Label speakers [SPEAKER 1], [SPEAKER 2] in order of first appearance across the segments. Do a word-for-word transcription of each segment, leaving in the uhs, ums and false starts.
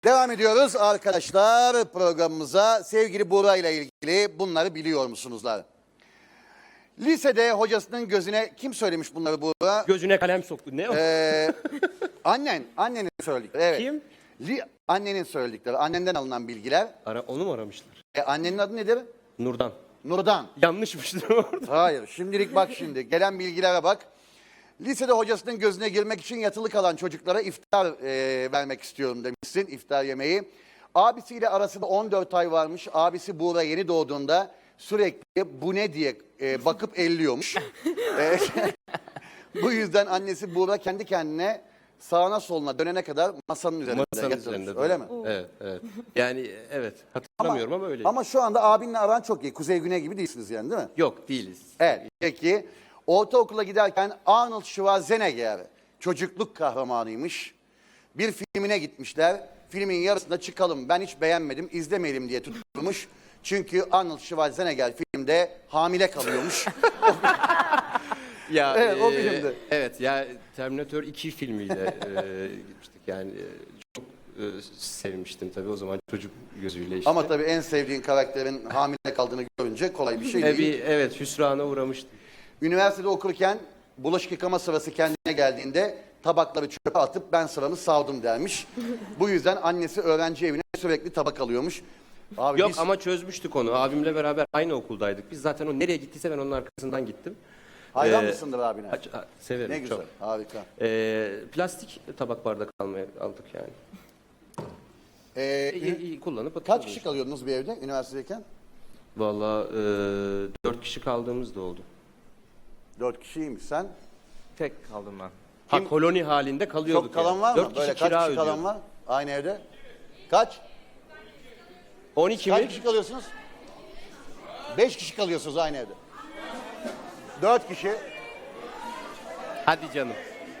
[SPEAKER 1] Devam ediyoruz arkadaşlar programımıza. Sevgili Buğra ile ilgili bunları biliyor musunuzlar? Lisede hocasının gözüne kim söylemiş bunları Buğra?
[SPEAKER 2] Gözüne kalem soktu. Ne o?
[SPEAKER 1] Ee, annen, annenin söyledikleri. Evet.
[SPEAKER 2] Kim?
[SPEAKER 1] Li, annenin söyledikleri, annenden alınan bilgiler.
[SPEAKER 2] Ara, onu mu aramışlar?
[SPEAKER 1] E, annenin adı nedir?
[SPEAKER 2] Nurdan.
[SPEAKER 1] Nurdan.
[SPEAKER 2] Yanlışmıştır orada.
[SPEAKER 1] Hayır, şimdilik bak şimdi. Gelen bilgilere bak. Lisede hocasının gözüne girmek için yatılı kalan çocuklara iftar e, vermek istiyorum demişsin, iftar yemeği. Abisiyle arasında on dört ay varmış. Abisi Buğra yeni doğduğunda sürekli bu ne diye e, bakıp elliyormuş. E, bu yüzden annesi Buğra kendi kendine sağına soluna dönene kadar masanın üzerinde
[SPEAKER 2] Masanın
[SPEAKER 1] yatırmış.
[SPEAKER 2] üzerinde.
[SPEAKER 1] Öyle mi?
[SPEAKER 2] Evet, evet. Yani evet. Hatırlamıyorum ama, öyle.
[SPEAKER 1] Ama şu anda abinle aran çok iyi. Kuzey güney gibi değilsiniz yani, değil mi?
[SPEAKER 2] Yok, değiliz.
[SPEAKER 1] Evet, peki. Ortaokula giderken Arnold Schwarzenegger çocukluk kahramanıymış. Bir filmine gitmişler. Filmin yarısında çıkalım, ben hiç beğenmedim, izlemeyelim diye tutturmuş. Çünkü Arnold Schwarzenegger filmde hamile kalıyormuş.
[SPEAKER 2] Ya,
[SPEAKER 1] Evet, o
[SPEAKER 2] e,
[SPEAKER 1] filmdi.
[SPEAKER 2] Evet, ya Terminator iki filmiyle e, gitmiştik yani. e, Çok e, sevmiştim tabii o zaman çocuk gözüyle işte.
[SPEAKER 1] Ama tabii en sevdiğin karakterin hamile kaldığını görünce kolay bir şey
[SPEAKER 2] E,
[SPEAKER 1] değil.
[SPEAKER 2] bir, evet, hüsrana uğramıştım.
[SPEAKER 1] Üniversitede okurken bulaşık yıkama sırası kendine geldiğinde tabakları çöpe atıp ben sıramı savdım dermiş. Bu yüzden annesi öğrenci evine sürekli tabak alıyormuş. Abi
[SPEAKER 2] Yok
[SPEAKER 1] biz...
[SPEAKER 2] ama çözmüştük onu. Abimle beraber aynı okuldaydık. Biz zaten o nereye gittiyse ben onun arkasından gittim.
[SPEAKER 1] Hayran
[SPEAKER 2] Ee,
[SPEAKER 1] mısındır abine?
[SPEAKER 2] Aç- a- severim
[SPEAKER 1] Ne güzel,
[SPEAKER 2] çok.
[SPEAKER 1] harika.
[SPEAKER 2] Ee, plastik tabak bardak almaya aldık yani.
[SPEAKER 1] Ee,
[SPEAKER 2] İyi, iyi kullanıp
[SPEAKER 1] kaç
[SPEAKER 2] atıyoruz.
[SPEAKER 1] kişi kalıyordunuz bir evde üniversitedeyken?
[SPEAKER 2] Valla e, dört kişi kaldığımız da oldu.
[SPEAKER 1] Dört kişiymiş sen.
[SPEAKER 3] Tek kaldım ben.
[SPEAKER 2] Ha,
[SPEAKER 1] Kim-
[SPEAKER 2] koloni halinde kalıyorduk.
[SPEAKER 1] Çok kalan
[SPEAKER 2] yani.
[SPEAKER 1] var mı?
[SPEAKER 2] Dört kişi
[SPEAKER 1] Böyle
[SPEAKER 2] kira
[SPEAKER 1] kaç kişi
[SPEAKER 2] ödüyor.
[SPEAKER 1] kalan var aynı evde? Kaç?
[SPEAKER 2] on iki
[SPEAKER 1] Kaç
[SPEAKER 2] mi?
[SPEAKER 1] kişi kalıyorsunuz? Beş kişi kalıyorsunuz aynı evde. Dört kişi.
[SPEAKER 2] Hadi canım.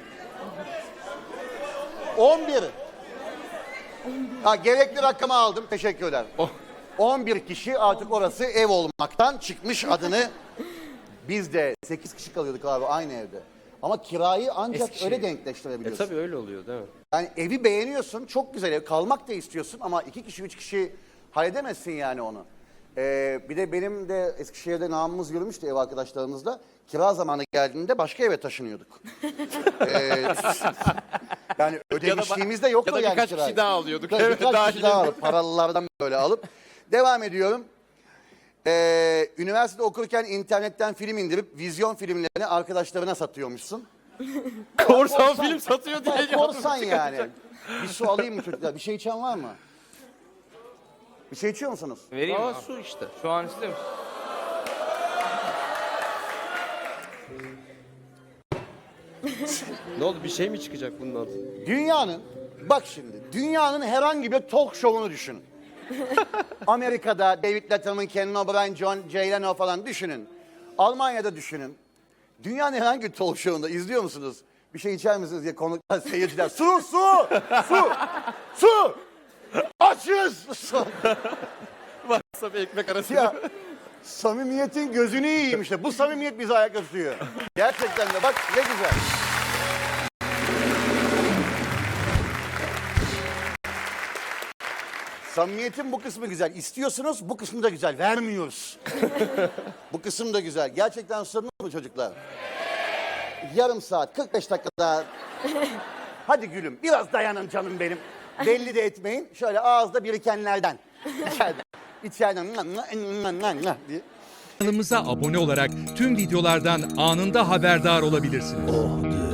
[SPEAKER 1] On bir. Ha, gerekli rakamı aldım. Teşekkürler.
[SPEAKER 2] Oh.
[SPEAKER 1] On bir kişi artık orası ev olmaktan çıkmış adını. Biz de sekiz kişi kalıyorduk abi aynı evde. Ama kirayı ancak
[SPEAKER 2] Eskişehir.
[SPEAKER 1] öyle
[SPEAKER 2] E
[SPEAKER 1] denkleştirebiliyorsun.
[SPEAKER 2] tabii öyle oluyor değil mi?
[SPEAKER 1] Yani evi beğeniyorsun, çok güzel ev, kalmak da istiyorsun ama iki kişi, üç kişi halledemezsin yani onu. Ee, bir de benim de Eskişehir'de namımız yürümüştü ev arkadaşlarımızla. Kira zamanı geldiğinde başka eve taşınıyorduk. ee, yani ödemişliğimiz de yoktu
[SPEAKER 2] ya da
[SPEAKER 1] yani
[SPEAKER 2] birkaç
[SPEAKER 1] kirayı.
[SPEAKER 2] kişi daha alıyorduk.
[SPEAKER 1] Tabii
[SPEAKER 2] Evet,
[SPEAKER 1] birkaç
[SPEAKER 2] dahil
[SPEAKER 1] kişi daha alıp, paralılardan böyle alıp. Devam ediyorum. Ee, üniversitede okurken internetten film indirip vizyon filmlerini arkadaşlarına satıyormuşsun.
[SPEAKER 2] Korsan film satıyor diye.
[SPEAKER 1] Ya, korsan yani. Bir su alayım mı çocuklar? Bir şey içen var mı? Bir şey içiyor musunuz?
[SPEAKER 3] Vereyim
[SPEAKER 2] Aa,
[SPEAKER 3] mi?
[SPEAKER 2] su işte.
[SPEAKER 3] Şu an istiyor musun?
[SPEAKER 2] Ne oldu, bir şey mi çıkacak bundan?
[SPEAKER 1] Dünyanın, bak şimdi, dünyanın herhangi bir talk show'unu düşünün. Amerika'da David Letterman, Kenan O'Brien, John Jay Leno falan düşünün. Almanya'da düşünün. Dünyanın herhangi bir talk show'unda izliyor musunuz? Bir şey içer misiniz diye konuklar, seyirciler. Su, su, su, su. Açız. Su.
[SPEAKER 2] Varsa bir ekmek arası.
[SPEAKER 1] Ya samimiyetin gözünü yiyeyim işte. Bu samimiyet bizi ayakta tutuyor. Gerçekten de bak ne güzel. Samimiyetin bu kısmı güzel. İstiyorsunuz, bu kısmı da güzel. Vermiyoruz. Bu kısım da güzel. Gerçekten susadınız mı çocuklar? Yarım saat, kırk beş dakika daha. Hadi gülüm, biraz dayanın canım benim. Belli de etmeyin. Şöyle ağızda birikenlerden. İçeriden. İçeriden. diye.
[SPEAKER 4] Kanalımıza abone olarak tüm videolardan anında haberdar olabilirsiniz.